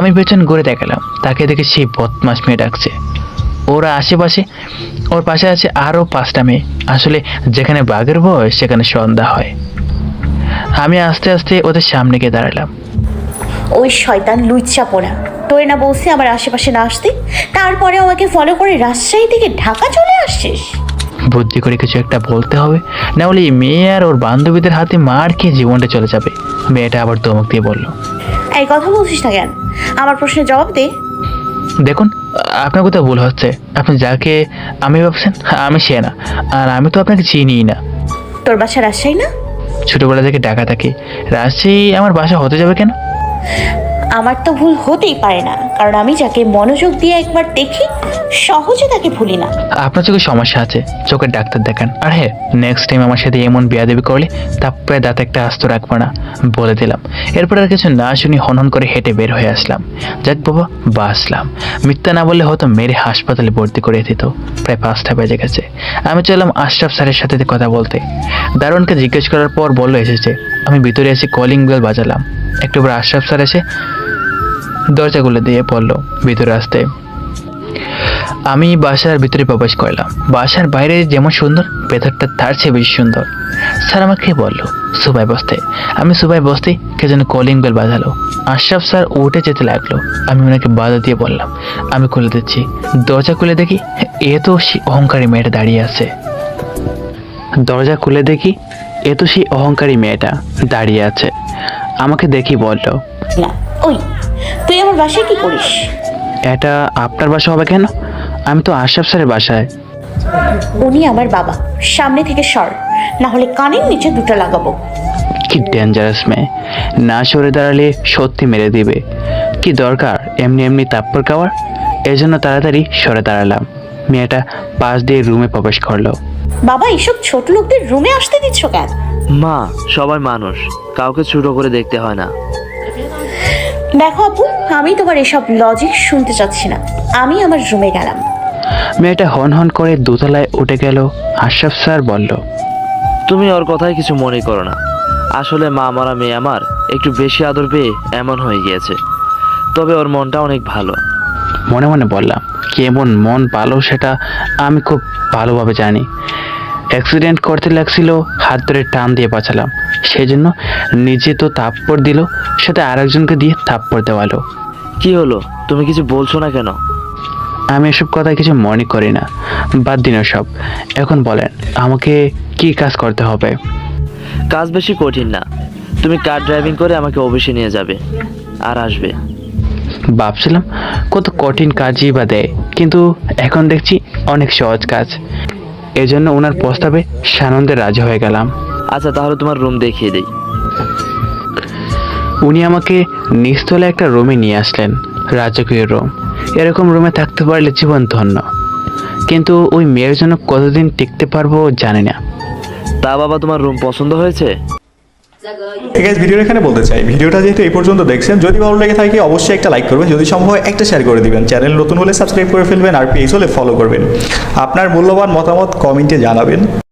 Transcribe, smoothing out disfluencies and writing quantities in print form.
আমি পেছন ঘুরে দেখালাম, তাকে দেখে সেই বদমাস মেয়ে ডাকছে। ওরা আশেপাশে, ওর পাশে আছে আরও 5টা মেয়ে। আসলে যেখানে বাঘের বয়স সেখানে সন্ধ্যা হয়। আমি আস্তে আস্তে ওদের সামনে গিয়ে দাঁড়ালাম। ওই শয়তান লুচ্চা পোড়া, তোরে না বলছি আমার আশেপাশে না আসতে, তারপরে আমাকে ফলো করে রাজশাহী থেকে ঢাকা চলে আসছিস। বুদ্ধি করে কিছু একটা বলতে হবে, না হলে এই মেয়ে আর ওর বান্ধবীদের হাতে মার খেয়ে জীবনটা চলে যাবে। মেয়েটা আবার ধমক দিয়ে বলল, এই কথা বলছিস না কেন? আমার প্রশ্নের জবাব দে। দেখুন, আপনার কোথাও ভুল হচ্ছে। আপনি যাকে আমি ভাবছেন আমি সে না, আর আমি তো আপনাকে চিনিই না। তোর বাসা রাজশাহী না? ছোটবেলা থেকে ঢাকা থাকি, রাজশাহী আমার বাসা হতে যাবে কেন? আমার তো ভুল হতেই পারে না, কারণ আমি যাকে মনোযোগ দিয়ে একবার দেখি সহজে তাকে ভুলি না। আপনার চোখে সমস্যা আছে, চোখের ডাক্তার দেখান। আর হ্যাঁ, নেক্সট টাইম আমার সাথে এমন বেয়াদবি করলে তারপরে দাঁত একটা আস্ত রাখবো না, বলে দিলাম। এরপর আর কিছু না শুনি হনহন করে হেঁটে বের হয়ে আসলাম। যাক বাবা, বাসলাম। মিথ্যা না বললে হয়তো মেরে হাসপাতালে ভর্তি করে দিত। প্রায় 5টা বেজে গেছে। আমি চললাম আশরাফ স্যারের সাথে কথা বলতে। দারোয়ানকে জিজ্ঞেস করার পর বললো এসেছে। আমি ভিতরে এসে কলিং বেল বাজালাম। একটু পর আশরাফ স্যার এসে দরজাগুলো দিয়ে পড়লো ভিতরে আসতে। আমি বাসার ভিতরে প্রবেশ করলাম। বাসার বাইরে যেমন সুন্দর, ভেতরটা তার চেয়ে বেশি সুন্দর। স্যার আমাকে বললো সুবাই বসতে। আমি সুবাই বসতেই কে যেন কলিং বেল বাজালো। আশরাফ স্যার উঠে যেতে লাগলো। আমি ওনাকে বাধা দিয়ে বললাম আমি খুলে দিচ্ছি। দরজা খুলে দেখি এ তো সেই অহংকারী মেয়েটা দাঁড়িয়ে আছে। দরজা খুলে দেখি এ তো সেই অহংকারী মেয়েটা দাঁড়িয়ে আছে। আমাকে দেখি বলল, না, ওই তুই আমার বাসায় কি করিস? এটা আপনার বাসা হবে কেন? আমি তো আশরাফ স্যারের বাসায়। উনি আমার বাবা, সামনে থেকে সর, না হলে কানের নিচে দুটো লাগাবো। কি ডেঞ্জারাস মেয়ে, না সরে দাঁড়ালে সত্যি মেরে দিবে। কি দরকার এমনি এমনি তাপ্পর খাওয়ার? এই জন্য তাড়াতাড়ি সরে দাঁড়ালাম। মেয়েটা পাশ দিয়ে রুমে প্রবেশ করলো। বাবা, এইসব ছোট লোকদের রুমে আসতে দিচ্ছ কেন? মা, সবাই মানুষ, কাউকে ছোট করে দেখতে হয় না। দেখো আপু, আমি তোমার এসব লজিক শুনতে চাচ্ছি না। আমি আমার রুমে গেলাম। মেয়েটা হন হন করে দোতলায় উঠে গেল। আশরাফ স্যার বলল, তুমি ওর কথায় কিছু মনে করো না। আসলে মা মারা মেয়ে আমার একটু বেশি আদর পেয়ে এমন হয়ে গিয়েছে। তবে ওর মনটা অনেক ভালো। মনে মনে বললাম, কেমন মন ভালো সেটা আমি খুব ভালোভাবে জানি। অ্যাক্সিডেন্ট করতে লাগছিল, হাত ধরে টান দিয়ে বাঁচালাম। সেই জন্য নিজে তো থাপ্পড় দিল, সাথে আরেকজনকে দিয়ে থাপ্পড় দেওয়ালো। কি হলো, তুমি কিছু বলছো না কেন? আমি এসব কথা কিছু মনে করি না, বাদ দিন সব। এখন বলেন আমাকে কি কাজ করতে হবে? কাজ বেশি কঠিন না। তুমি কার ড্রাইভিং করে আমাকে অফিসে নিয়ে যাবে আর আসবে। ভাবছিলাম কত কঠিন কাজই বা দেয়, কিন্তু এখন দেখছি অনেক সহজ কাজ। এজন্য ওনার প্রস্তাবে সানন্দে রাজি হয়ে গেলাম। আচ্ছা, তাহলে তোমার রুম দেখিয়ে দিই। উনি আমাকে নিচতলা একটা রুমে নিয়ে আসলেন, রাজকীয় রুম। এরকম রুমে থাকতে পারলে জীবন ধন্য, কিন্তু ওই মেয়ের জন্য কতদিন টিকতে পারবো জানি না। তা বাবা, তোমার রুম পছন্দ হয়েছে? গাইস, ভিডিওর এখানে বলতে চাই, ভিডিওটা যেহেতু এই পর্যন্ত দেখছেন, যদি ভালো লেগে থাকে অবশ্যই একটা লাইক করবেন, যদি সম্ভব হয় একটা শেয়ার করে দিবেন, চ্যানেল নতুন হলে সাবস্ক্রাইব করে ফেলবেন, আর পেজ হলে ফলো করবেন। আপনার মূল্যবান মতামত কমেন্টে জানাবেন।